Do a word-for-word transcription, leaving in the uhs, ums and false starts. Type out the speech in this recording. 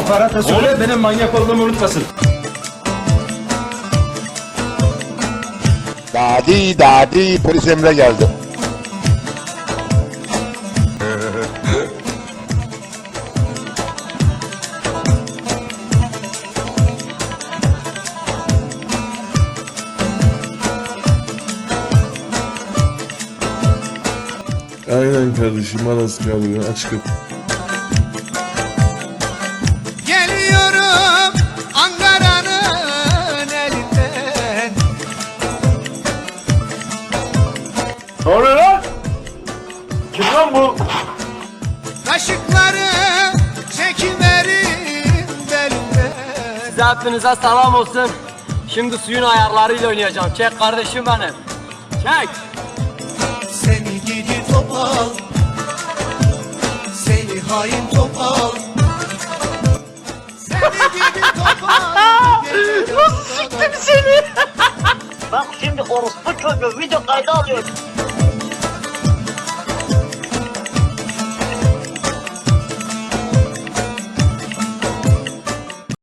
Aparata söyle benim manyak olduğumu unutmasın. Dadi dadi polis Emre geldi. Aynen kardeşim, arası kalıyor, aç kapı. Geliyorum Ankara'nın elinden. Ne oluyor lan? Kim lan bu? Kaşıkları çekiverin belimden. Size hepinize selam olsun. Şimdi suyun ayarlarıyla oynayacağım. Çek kardeşim benim. Çek. Seni gidi topal, seni hain topal. Seni gidi topal. Nasıl siktim seni? Bak şimdi orospu çocuğu video kaydı alıyor.